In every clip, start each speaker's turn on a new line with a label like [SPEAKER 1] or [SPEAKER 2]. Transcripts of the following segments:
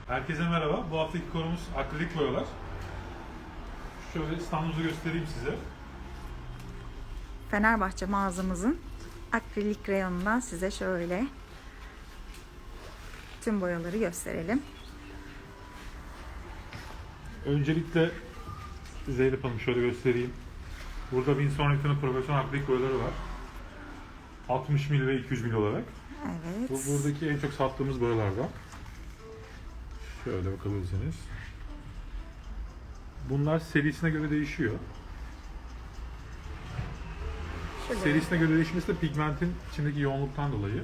[SPEAKER 1] Herkese merhaba. Bu haftaki konumuz akrilik boyalar. Şöyle standımızı göstereyim size.
[SPEAKER 2] Fenerbahçe mağazamızın akrilik reyonundan size şöyle tüm boyaları gösterelim.
[SPEAKER 1] Öncelikle Zeynep Hanım şöyle göstereyim. Burada Winsor Newton'un profesyonel akrilik boyaları var. 60 ml ve 200 ml olarak.
[SPEAKER 2] Evet.
[SPEAKER 1] Bu buradaki en çok sattığımız boyalardan. Şöyle bakabilirsiniz. Bunlar serisine göre değişiyor.
[SPEAKER 2] Şöyle.
[SPEAKER 1] Serisine göre değişmesi de pigmentin içindeki yoğunluktan dolayı.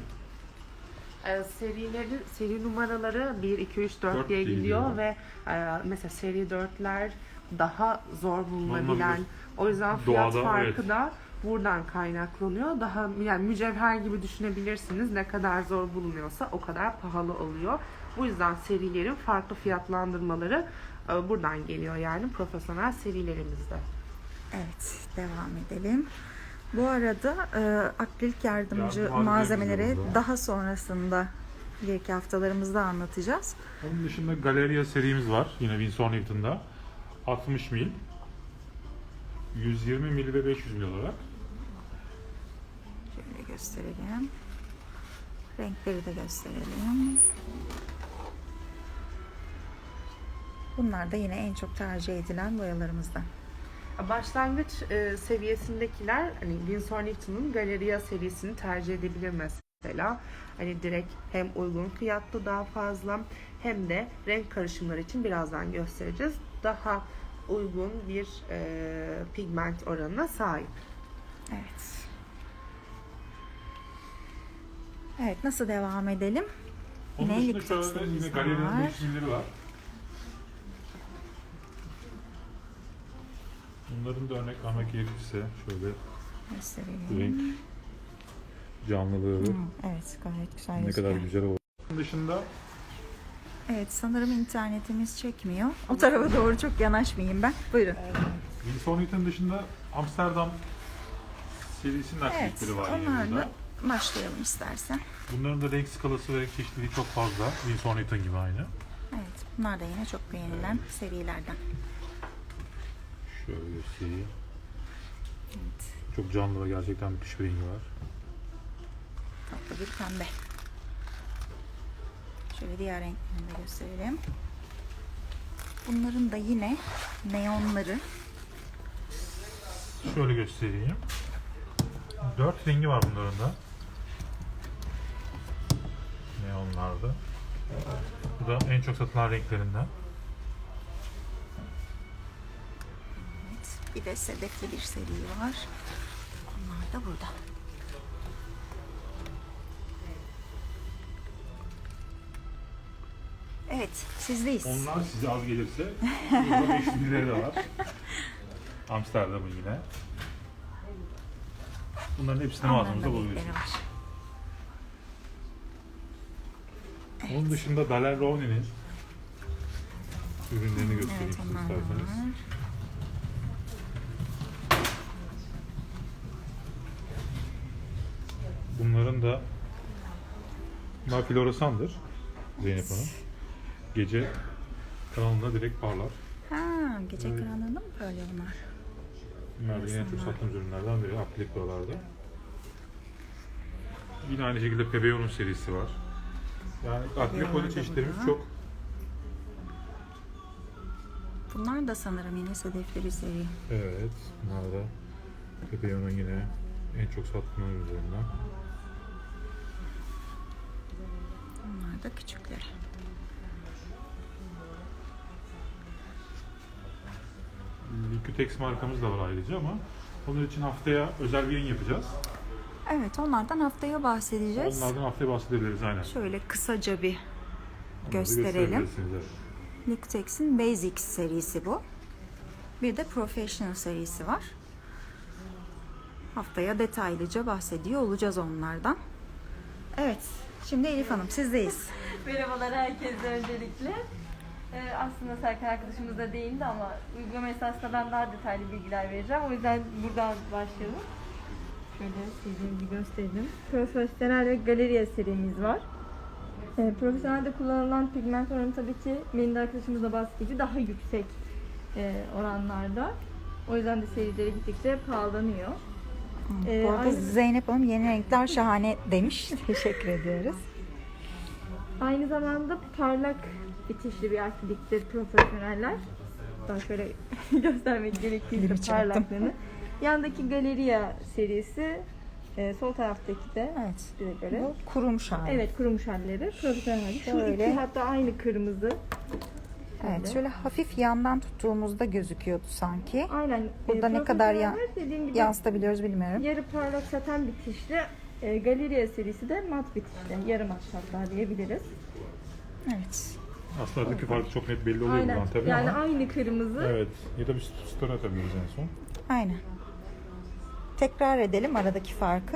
[SPEAKER 3] Seri numaraları 1, 2, 3, 4 diye
[SPEAKER 1] diye
[SPEAKER 3] gidiyor
[SPEAKER 1] gidiyor.
[SPEAKER 3] ve mesela seri 4'ler daha zor bulunabilen,
[SPEAKER 1] Bulunabilir.
[SPEAKER 3] o yüzden fiyat
[SPEAKER 1] Doğada,
[SPEAKER 3] farkı
[SPEAKER 1] evet.
[SPEAKER 3] da buradan kaynaklanıyor. Daha yani mücevher gibi düşünebilirsiniz. Ne kadar zor bulunuyorsa o kadar pahalı oluyor. Bu yüzden serilerin farklı fiyatlandırmaları buradan geliyor, yani profesyonel serilerimizde.
[SPEAKER 2] Evet, devam edelim. Bu arada akrilik yardımcı
[SPEAKER 1] Yardım
[SPEAKER 2] malzemeleri
[SPEAKER 1] malzemelerimiz de
[SPEAKER 2] daha sonrasında ileriki haftalarımızda anlatacağız.
[SPEAKER 1] Onun dışında Galeria serimiz var. Yine Winsor Newton'da. 60 mil, 120 mil ve 500 mil olarak.
[SPEAKER 2] Şöyle gösterelim. Renkleri de gösterelim. Bunlar da yine en çok tercih edilen boyalarımızdan.
[SPEAKER 3] Başlangıç seviyesindekiler hani Winsor Newton'un Galeria serisini tercih edebilir mesela. Hani direkt hem uygun fiyatlı daha fazla hem de renk karışımları için birazdan göstereceğiz. Daha uygun bir pigment oranına sahip.
[SPEAKER 2] Evet. Evet, nasıl devam edelim?
[SPEAKER 1] Onun
[SPEAKER 2] Yine
[SPEAKER 1] dışında
[SPEAKER 2] Liquitex
[SPEAKER 1] şöyle yine
[SPEAKER 2] serimiz
[SPEAKER 1] Galeria'nın
[SPEAKER 2] var.
[SPEAKER 1] 500 milleri var. Bunların da örnek vermek gerekirse şöyle
[SPEAKER 2] Gösterelim.
[SPEAKER 1] renk canlılığı
[SPEAKER 2] Evet, gayet güzel
[SPEAKER 1] ne
[SPEAKER 2] gözüküyor.
[SPEAKER 1] kadar güzel oldu. Bunun dışında
[SPEAKER 2] Evet, sanırım internetimiz çekmiyor. O tarafa doğru çok yanaşmayayım ben. Buyurun.
[SPEAKER 1] Winsor Newton dışında Amsterdam serisinin
[SPEAKER 2] Evet,
[SPEAKER 1] akrilikleri var yine
[SPEAKER 2] onlarla
[SPEAKER 1] burada.
[SPEAKER 2] başlayalım istersen.
[SPEAKER 1] Bunların da renk skalası ve renk çeşitliliği çok fazla. Winsor Newton gibi aynı.
[SPEAKER 2] Evet, bunlar da yine çok beğenilen serilerden.
[SPEAKER 1] Şöyle göstereyim.
[SPEAKER 2] Evet,
[SPEAKER 1] Çok canlı ve gerçekten müthiş bir rengi var.
[SPEAKER 2] tatlı bir pembe. Şöyle diğer renklerini de gösterelim. Bunların da yine neonları.
[SPEAKER 1] Şöyle göstereyim. 4 rengi var bunların da. Neonlarda. Bu da en çok satılan renklerinden.
[SPEAKER 2] Evet, bir de sedefli bir seri var. Onlar da burada. Evet, sizdeyiz.
[SPEAKER 1] Onlar size az gelirse burada 500 liraya da var. Amsterdam'ın yine. Bunların hepsini
[SPEAKER 2] Onların da
[SPEAKER 1] mağazamızda
[SPEAKER 2] renkleri
[SPEAKER 1] buluyorsunuz.
[SPEAKER 2] var.
[SPEAKER 1] Onun dışında Daler-Rowney'nin ürünlerini göstereyim
[SPEAKER 2] Evet,
[SPEAKER 1] size
[SPEAKER 2] onlar da
[SPEAKER 1] isterseniz.
[SPEAKER 2] var.
[SPEAKER 1] Bunların da bunlar floresandır Zeynep Hanım. Gece karanlığında direkt parlar.
[SPEAKER 2] Ha, gece
[SPEAKER 1] Evet.
[SPEAKER 2] karanlığında mı parlıyor bunlar?
[SPEAKER 1] Bunlar da yine çok sattığımız ürünlerden biri akrilik boyalarda. Yine aynı şekilde Pebeyon'un serisi var. Yani akrilik boya
[SPEAKER 2] da
[SPEAKER 1] çeşitlerimiz
[SPEAKER 2] burada.
[SPEAKER 1] çok.
[SPEAKER 2] Bunlar da sanırım yine sedefli bir seri.
[SPEAKER 1] Evet, bunlar da Pebeyon'un yine en çok sattığımız ürünlerinden.
[SPEAKER 2] Bunlar da küçükleri.
[SPEAKER 1] Liquitex markamız da var ayrıca ama onun için haftaya özel bir yayın yapacağız.
[SPEAKER 2] Evet, onlardan haftaya bahsedeceğiz.
[SPEAKER 1] Onlardan haftaya bahsedebiliriz aynen.
[SPEAKER 2] Şöyle kısaca bir
[SPEAKER 1] Onları
[SPEAKER 2] gösterelim.
[SPEAKER 1] gösterebilirsiniz, evet.
[SPEAKER 2] Liquitex'in Basics serisi bu. Bir de Professional serisi var. Haftaya detaylıca bahsediyor olacağız onlardan. Evet, şimdi Elif Hanım sizdeyiz.
[SPEAKER 4] Merhabalar herkese öncelikle. Aslında Serkan arkadaşımız da değindi ama uygulama esasında ben daha detaylı bilgiler vereceğim. O yüzden buradan başlayalım. Şöyle sizin gibi gösterelim. Profesyonel ve Galeria serimiz var. Profesyonelde kullanılan pigment oranı tabii ki Melinda arkadaşımız da bahsettiği gibi daha yüksek oranlarda. O yüzden de serileri gittikçe pahalanıyor.
[SPEAKER 2] Bu arada
[SPEAKER 4] Aynı-
[SPEAKER 2] Zeynep Hanım yeni renkler şahane demiş. Teşekkür ediyoruz.
[SPEAKER 4] Aynı zamanda parlak bitişli bir akriliktir profesyoneller. Daha şöyle göstermek gerekirse
[SPEAKER 2] Elimi çarptım.
[SPEAKER 4] parlaklığını. Yandaki Galeria serisi, sol taraftaki de
[SPEAKER 2] Evet.
[SPEAKER 4] bize göre.
[SPEAKER 2] Bu kurumuş hali.
[SPEAKER 4] Evet, kurumuş halleri. Profesyonel hali. Şu
[SPEAKER 2] Şöyle.
[SPEAKER 4] iki hatta aynı kırmızı.
[SPEAKER 2] Evet, şöyle hafif yandan tuttuğumuzda gözüküyordu sanki.
[SPEAKER 4] Aynen.
[SPEAKER 2] Burada ne kadar
[SPEAKER 4] profesyoneller dediğim gibi
[SPEAKER 2] yansıtabiliyoruz bilmiyorum.
[SPEAKER 4] yarı parlak saten bitişli. Galeria serisi de mat bitişli. Yarı mat hatta diyebiliriz.
[SPEAKER 2] Evet.
[SPEAKER 1] Aslında aradaki fark çok net belli oluyor
[SPEAKER 4] Aynen.
[SPEAKER 1] buradan tabii
[SPEAKER 4] Yani
[SPEAKER 1] ama.
[SPEAKER 4] aynı kırmızı.
[SPEAKER 1] Evet. Ya da bir story atabiliriz en son.
[SPEAKER 2] Aynen. Tekrar edelim aradaki farkı.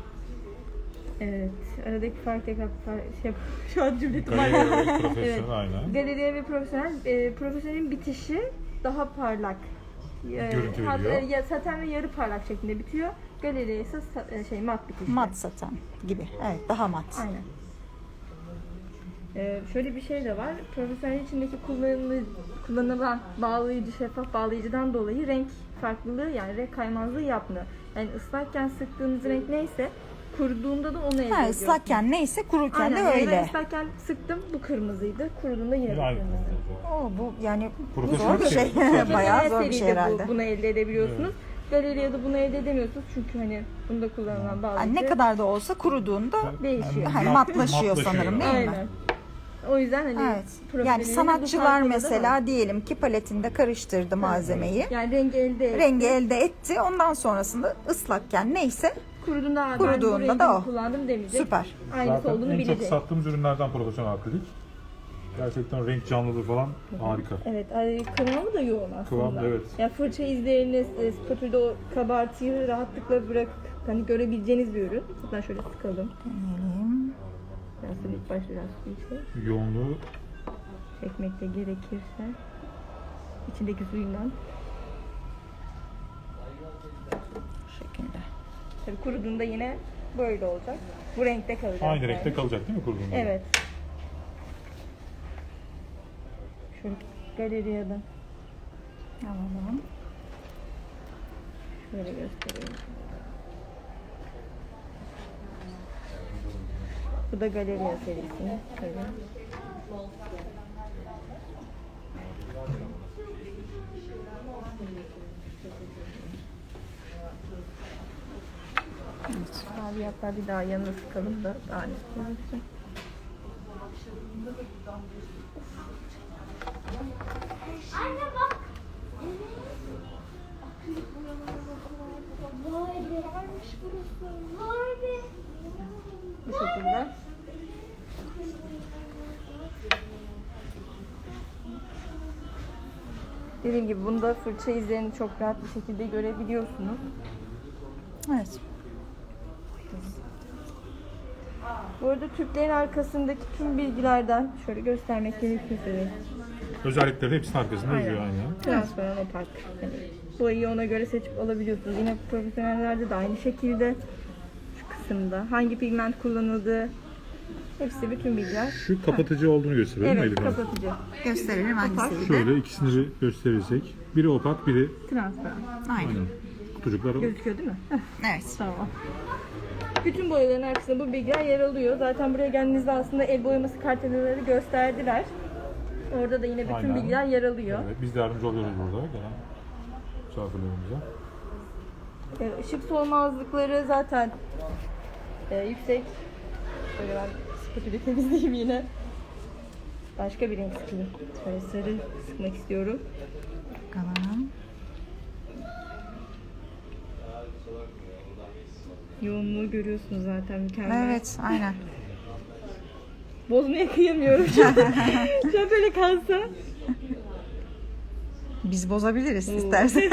[SPEAKER 4] Evet. Aradaki fark tekrar şu an cümle
[SPEAKER 1] Galeria ve
[SPEAKER 4] Evet.
[SPEAKER 1] profesyonel aynen.
[SPEAKER 4] Galeriye ve profesyonel. Profesyonelin bitişi daha parlak.
[SPEAKER 1] Görüntü
[SPEAKER 4] Hatta
[SPEAKER 1] veriyor.
[SPEAKER 4] saten ve yarı parlak şeklinde bitiyor. Galeriye ise mat bitişli.
[SPEAKER 2] Mat saten gibi. Evet, daha mat.
[SPEAKER 4] Aynen. Şöyle bir şey de var. Profesyonel içindeki kullanılan bağlayıcı, şeffaf bağlayıcıdan dolayı renk farklılığı, yani renk kaymazlığı yapmıyor. Yani ıslakken sıktığınız renk neyse kuruduğunda da onu elde
[SPEAKER 2] Ha,
[SPEAKER 4] ediyorsunuz.
[SPEAKER 2] ıslakken neyse kururken
[SPEAKER 4] Aynen,
[SPEAKER 2] de
[SPEAKER 4] yani ben
[SPEAKER 2] öyle.
[SPEAKER 4] ıslakken sıktım, bu kırmızıydı. Kuruduğunda yine
[SPEAKER 1] Aynı.
[SPEAKER 4] kırmızı.
[SPEAKER 2] Oo, bu yani
[SPEAKER 1] Profesyonel
[SPEAKER 2] zor bir şey.
[SPEAKER 1] şey.
[SPEAKER 2] Bayağı zor bir
[SPEAKER 4] Seride
[SPEAKER 2] şey herhalde.
[SPEAKER 4] Bunu elde edebiliyorsunuz. Galeriyada bunu elde edemiyorsunuz çünkü hani bunda kullanılan bağlayıcı
[SPEAKER 2] Yani ne kadar da olsa kuruduğunda
[SPEAKER 4] değişiyor.
[SPEAKER 2] hani matlaşıyor sanırım değil mi?
[SPEAKER 4] Aynen. O yüzden hani
[SPEAKER 2] Evet.
[SPEAKER 4] profesyonelin
[SPEAKER 2] Yani
[SPEAKER 4] bu
[SPEAKER 2] sanatçılar
[SPEAKER 4] farkları da var.
[SPEAKER 2] mesela diyelim ki paletinde karıştırdı malzemeyi.
[SPEAKER 4] Yani rengi elde etti.
[SPEAKER 2] Rengi elde etti. Ondan sonrasında ıslakken neyse
[SPEAKER 4] Kuruduğunda, ben bu
[SPEAKER 2] Kuruduğunda
[SPEAKER 4] rengi
[SPEAKER 2] da o.
[SPEAKER 4] kullandım demeyecek.
[SPEAKER 2] süper.
[SPEAKER 4] Aynısı
[SPEAKER 1] Zaten
[SPEAKER 4] olduğunu
[SPEAKER 1] en çok
[SPEAKER 4] bilecek.
[SPEAKER 1] sattığımız ürünlerden profesyonel akrilik. Gerçekten renk canlılığı falan harika.
[SPEAKER 4] Evet, kıvamı da yoğun aslında.
[SPEAKER 1] Kıvam, evet.
[SPEAKER 4] Ya fırça izlerini spatülde o kabartıyı rahatlıkla bırakıp hani görebileceğiniz bir ürün. Hatta şöyle sıkalım.
[SPEAKER 2] Deneyelim.
[SPEAKER 4] Biraz da ilk başta biraz su
[SPEAKER 1] Yoğunluğu
[SPEAKER 4] çekmek de gerekirse. İçindeki suyundan.
[SPEAKER 2] Bu şekilde.
[SPEAKER 4] Tabii kuruduğunda yine böyle olacak. Bu renkte kalacak.
[SPEAKER 1] aynı
[SPEAKER 4] yani.
[SPEAKER 1] renkte kalacak değil mi kuruduğunda?
[SPEAKER 4] Evet. Şöyle galeriyada
[SPEAKER 2] Alalım.
[SPEAKER 4] şöyle göstereyim. Bu da Galeriya serisi. Şöyle. Abi hatta bir daha yanına sıkalım da daha net gözüksün.
[SPEAKER 5] Anne bak. Vay be. Varmış burası. Vay be.
[SPEAKER 4] Bu şekilde. Dediğim gibi bunda fırça izlerini çok rahat bir şekilde görebiliyorsunuz.
[SPEAKER 2] Evet.
[SPEAKER 4] Bu arada tüplerin arkasındaki tüm bilgilerden şöyle göstermek gerekirse de
[SPEAKER 1] Özellikleri hepsinin arkasında yazıyor aynen.
[SPEAKER 4] transparan opak. Yani boyayı ona göre seçip alabiliyorsunuz. Yine profesyonellerde de aynı şekilde şu kısımda hangi pigment kullanıldığı hepsi bütün bilgiler.
[SPEAKER 1] Şu kapatıcı olduğunu gösteriyor değil mi
[SPEAKER 4] Evet,
[SPEAKER 1] Elif Hanım?
[SPEAKER 4] kapatıcı.
[SPEAKER 2] Gösterelim hangisiydi?
[SPEAKER 1] Şöyle ikisini bir gösterirsek. Biri opak, biri
[SPEAKER 4] Transparan.
[SPEAKER 2] Aynen.
[SPEAKER 1] aynen. Kutucuklar
[SPEAKER 4] Gözüküyor değil mi? Heh,
[SPEAKER 2] Evet.
[SPEAKER 4] tamam. Bütün boyaların arkasında bu bilgiler yer alıyor. Zaten buraya geldiğinizde aslında el boyaması kartelaları gösterdiler. Orada da yine bütün
[SPEAKER 1] Aynen.
[SPEAKER 4] bilgiler yer alıyor.
[SPEAKER 1] Evet, biz de yardımcı oluyoruz burada gelen misafirlerimize.
[SPEAKER 4] Işık solmazlıkları zaten yüksek. Şöyle ben spatülü temizleyeyim yine. Başka bir renk sıkayım. Şöyle sarı sıkmak istiyorum.
[SPEAKER 2] Bakalım.
[SPEAKER 4] Yoğunluğu görüyorsunuz zaten mükemmel.
[SPEAKER 2] Evet, aynen.
[SPEAKER 4] Bozmaya kıyamıyorum şu an. Şu an böyle kalsa.
[SPEAKER 2] Biz bozabiliriz istersen.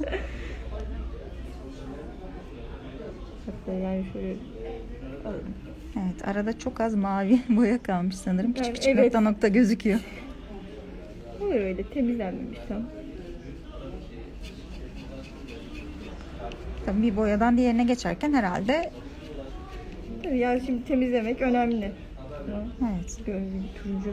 [SPEAKER 4] Hatta yani şöyle alalım.
[SPEAKER 2] Evet, arada çok az mavi boya kalmış sanırım. Küçük
[SPEAKER 4] Yani
[SPEAKER 2] küçük
[SPEAKER 4] evet.
[SPEAKER 2] nokta nokta gözüküyor.
[SPEAKER 4] Olur öyle temizlenmemiş tam.
[SPEAKER 2] Tabii bir boyadan diğerine geçerken herhalde
[SPEAKER 4] Tabii yani şimdi temizlemek önemli.
[SPEAKER 2] Evet.
[SPEAKER 4] Böyle bir turuncu.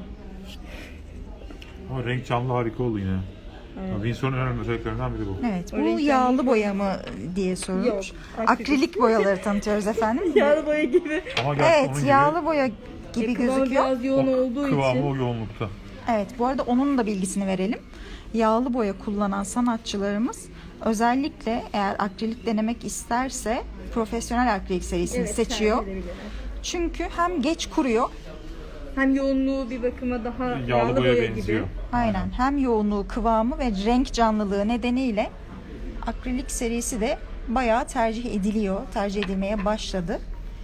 [SPEAKER 1] Ama renk canlı harika oldu yine. Windsor'un en önemli özelliklerinden biri bu.
[SPEAKER 2] Evet, bu
[SPEAKER 4] O renkler
[SPEAKER 2] yağlı
[SPEAKER 4] mi?
[SPEAKER 2] boya mı diye sorulmuş.
[SPEAKER 4] Yok, akrilik.
[SPEAKER 2] Akrilik boyaları tanıtıyoruz efendim.
[SPEAKER 4] Yağlı boya gibi.
[SPEAKER 1] Ama gerçi onun
[SPEAKER 2] Evet,
[SPEAKER 1] gibi
[SPEAKER 2] yağlı boya gibi
[SPEAKER 4] Kıvamı
[SPEAKER 2] gözüküyor.
[SPEAKER 4] biraz yoğun olduğu
[SPEAKER 1] kıvamı
[SPEAKER 4] için.
[SPEAKER 1] o yoğunlukta.
[SPEAKER 2] Evet, bu arada onun da bilgisini verelim. Yağlı boya kullanan sanatçılarımız özellikle eğer akrilik denemek isterse profesyonel akrilik serisini
[SPEAKER 4] Evet,
[SPEAKER 2] seçiyor.
[SPEAKER 4] tercih edebilirler.
[SPEAKER 2] Çünkü hem geç kuruyor,
[SPEAKER 4] Hem yoğunluğu bir bakıma daha
[SPEAKER 1] Yağlı boya benziyor.
[SPEAKER 4] gibi.
[SPEAKER 2] aynen hem yoğunluğu, kıvamı ve renk canlılığı nedeniyle akrilik serisi de bayağı tercih ediliyor, tercih edilmeye başladı.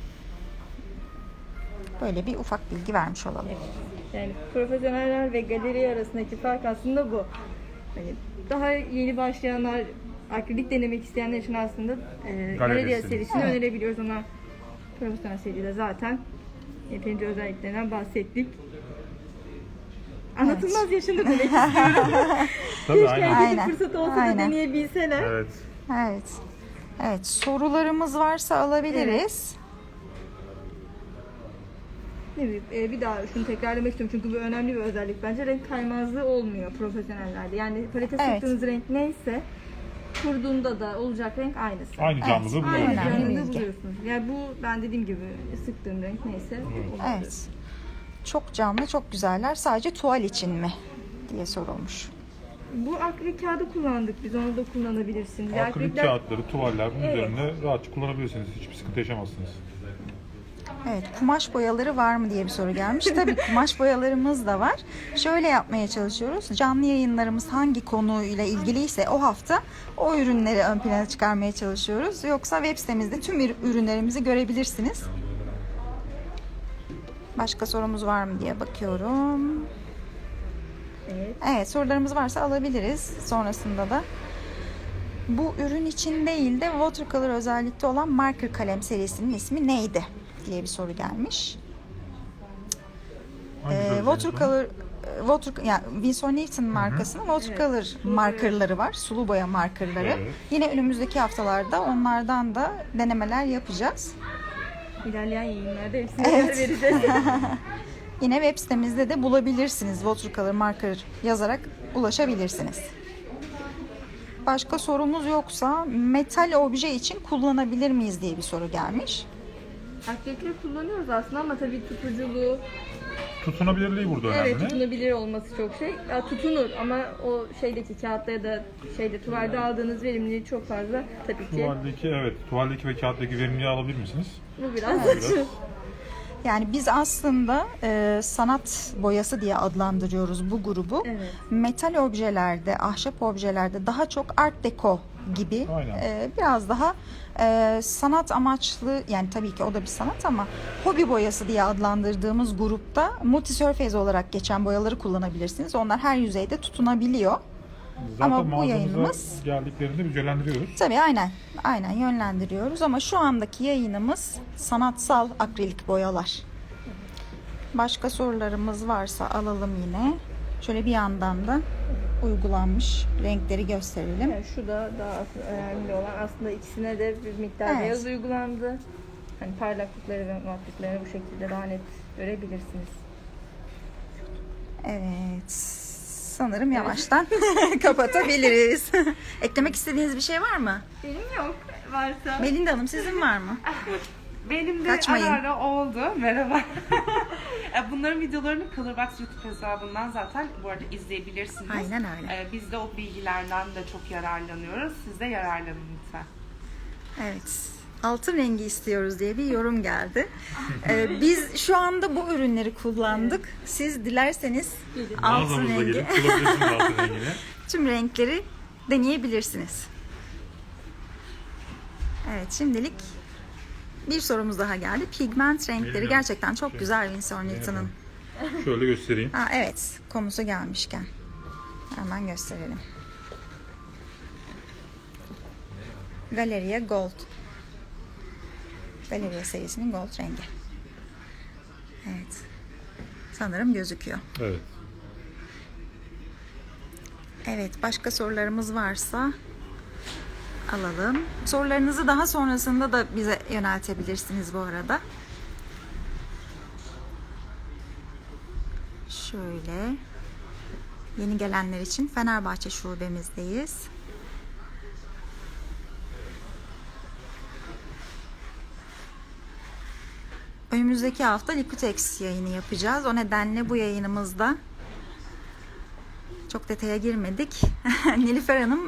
[SPEAKER 2] Böyle bir ufak bilgi vermiş olalım.
[SPEAKER 4] Yani profesyoneller ve galeri arasındaki fark aslında bu. Hani daha yeni başlayanlar, akrilik denemek isteyenler için aslında Galeria serisini
[SPEAKER 2] Evet.
[SPEAKER 4] önerebiliyoruz ama profesyonel seride zaten yeterince özelliklerinden bahsettik. Anlatılmaz yaşanır demek istiyorum.
[SPEAKER 1] Tabii
[SPEAKER 4] Keşke
[SPEAKER 1] aynen.
[SPEAKER 4] herkesin
[SPEAKER 2] Aynen.
[SPEAKER 4] fırsatı olsa
[SPEAKER 2] Aynen.
[SPEAKER 4] da deneyebilseler.
[SPEAKER 1] Evet.
[SPEAKER 2] Evet. Evet, sorularımız varsa alabiliriz.
[SPEAKER 4] Ne bileyim, bir daha şunu tekrarlamak istiyorum çünkü bu önemli bir özellik bence. Renk kaymazlığı olmuyor profesyonellerde. Yani palete
[SPEAKER 2] Evet.
[SPEAKER 4] sıktığınız renk neyse kurduğunda da olacak renk aynısı.
[SPEAKER 1] Aynı canlılığı
[SPEAKER 2] Evet,
[SPEAKER 1] buluyoruz.
[SPEAKER 2] aynen.
[SPEAKER 1] yani.
[SPEAKER 2] önemli
[SPEAKER 4] Yanında
[SPEAKER 2] bilgi.
[SPEAKER 4] buluyorsunuz. Yani bu ben dediğim gibi sıktığım renk neyse. o oluyor.
[SPEAKER 2] Evet. Çok canlı, çok güzeller. Sadece tuval için mi diye sorulmuş.
[SPEAKER 4] Bu akrilik kağıdı kullandık biz, onu da kullanabilirsiniz.
[SPEAKER 1] Akrilik kağıtları, tuvaller bunun
[SPEAKER 4] Evet.
[SPEAKER 1] üzerinde rahatça kullanabilirsiniz. Hiçbir sıkıntı yaşamazsınız.
[SPEAKER 2] Evet, kumaş boyaları var mı diye bir soru gelmiş. Tabii kumaş boyalarımız da var. Şöyle yapmaya çalışıyoruz. Canlı yayınlarımız hangi konuyla ilgiliyse o hafta o ürünleri ön plana çıkarmaya çalışıyoruz. Yoksa web sitemizde tüm ürünlerimizi görebilirsiniz. Başka sorumuz var mı diye bakıyorum.
[SPEAKER 4] Evet.
[SPEAKER 2] Evet, sorularımız varsa alabiliriz. Sonrasında da bu ürün için değil de watercolor özellikte olan marker kalem serisinin ismi neydi diye bir soru gelmiş.
[SPEAKER 1] Hangisi özellikle?
[SPEAKER 2] Yani Winsor Newton markasının watercolor markerları var. Sulu boya markerları.
[SPEAKER 1] Evet.
[SPEAKER 2] Yine önümüzdeki haftalarda onlardan da denemeler yapacağız.
[SPEAKER 4] İlerleyen yayınlarda hepsini
[SPEAKER 2] Evet.
[SPEAKER 4] vereceğiz.
[SPEAKER 2] Yine web sitemizde de bulabilirsiniz. Watercolor marker yazarak ulaşabilirsiniz. Başka sorumuz yoksa metal obje için kullanabilir miyiz diye bir soru gelmiş.
[SPEAKER 4] Akrilikleri kullanıyoruz aslında ama tabii tutuculuğu,
[SPEAKER 1] Tutunabilirliği burada önemli.
[SPEAKER 4] evet tutunabilir olması çok şey. Ya, tutunur ama o şeydeki kağıtta ya da tuvalde aldığınız verimliliği çok fazla tabii ki.
[SPEAKER 1] Tuvaldeki ve kağıttaki verimliliği alabilir misiniz?
[SPEAKER 4] Bu biraz
[SPEAKER 1] Biraz.
[SPEAKER 2] Yani biz aslında sanat boyası diye adlandırıyoruz bu grubu.
[SPEAKER 4] Evet.
[SPEAKER 2] Metal objelerde, ahşap objelerde daha çok art deco gibi
[SPEAKER 1] Aynen.
[SPEAKER 2] biraz daha sanat amaçlı, yani tabii ki o da bir sanat ama hobi boyası diye adlandırdığımız grupta multisurface olarak geçen boyaları kullanabilirsiniz. Onlar her yüzeyde tutunabiliyor.
[SPEAKER 1] Zaten
[SPEAKER 2] Ama bu
[SPEAKER 1] mağazamıza
[SPEAKER 2] yayınımız-
[SPEAKER 1] geldiklerinde biz yönlendiriyoruz.
[SPEAKER 2] Tabii aynen yönlendiriyoruz ama şu andaki yayınımız sanatsal akrilik boyalar. Başka sorularımız varsa alalım yine. Şöyle bir yandan da uygulanmış renkleri gösterelim.
[SPEAKER 4] Yani şu da daha önemli olan aslında ikisine de bir miktar
[SPEAKER 2] Evet.
[SPEAKER 4] beyaz uygulandı. Hani parlaklıkları ve matlıklarını bu şekilde daha net görebilirsiniz.
[SPEAKER 2] Evet. Sanırım yavaştan kapatabiliriz. Eklemek istediğiniz bir şey var mı?
[SPEAKER 4] Benim yok. Varsa.
[SPEAKER 2] Melinda Hanım sizin var mı?
[SPEAKER 3] Benim de
[SPEAKER 2] Kaçmayın.
[SPEAKER 3] ara ara oldu. Merhaba. Bunların videolarını Colorbox YouTube hesabından zaten bu arada izleyebilirsiniz.
[SPEAKER 2] Aynen öyle.
[SPEAKER 3] Biz de o bilgilerden de çok yararlanıyoruz. Siz de yararlanın lütfen.
[SPEAKER 2] Evet. Altın rengi istiyoruz diye bir yorum geldi. Biz şu anda bu ürünleri kullandık. Siz dilerseniz altın
[SPEAKER 1] Mağazamıza
[SPEAKER 2] rengi
[SPEAKER 1] gelip bulabilirsiniz altın rengini.
[SPEAKER 2] tüm renkleri deneyebilirsiniz. Evet, şimdilik bir sorumuz daha geldi. Pigment renkleri
[SPEAKER 1] Bilmiyorum.
[SPEAKER 2] gerçekten çok güzel Winsor Newton'ın.
[SPEAKER 1] Şöyle göstereyim.
[SPEAKER 2] Evet, konusu gelmişken hemen gösterelim. Galeria Gold. Galeria serisinin gold rengi. Evet. Sanırım gözüküyor.
[SPEAKER 1] Evet.
[SPEAKER 2] Evet, başka sorularımız varsa alalım. Sorularınızı daha sonrasında da bize yöneltebilirsiniz bu arada. Şöyle. Yeni gelenler için Fenerbahçe şubemizdeyiz. Önümüzdeki hafta Liquitex yayını yapacağız. O nedenle bu yayınımızda çok detaya girmedik. Nilüfer Hanım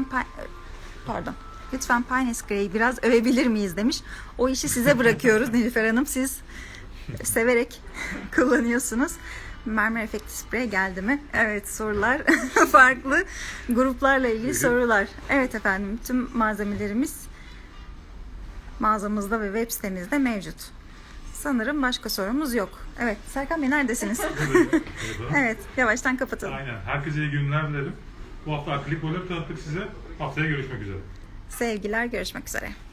[SPEAKER 2] lütfen Pines Grey'i biraz övebilir miyiz demiş. O işi size bırakıyoruz Nilüfer Hanım. Siz severek kullanıyorsunuz. Mermer efekti sprey geldi mi? Evet, sorular farklı gruplarla ilgili sorular. Evet efendim, tüm malzemelerimiz mağazamızda ve web sitemizde mevcut. Sanırım başka sorumuz yok. Evet, Serkan Bey neredesiniz? Evet, yavaştan kapatalım.
[SPEAKER 1] Aynen. Herkese iyi günler dilerim. Bu hafta akrilik boyaları tanıttık size. Haftaya görüşmek üzere.
[SPEAKER 2] Sevgiler, görüşmek üzere.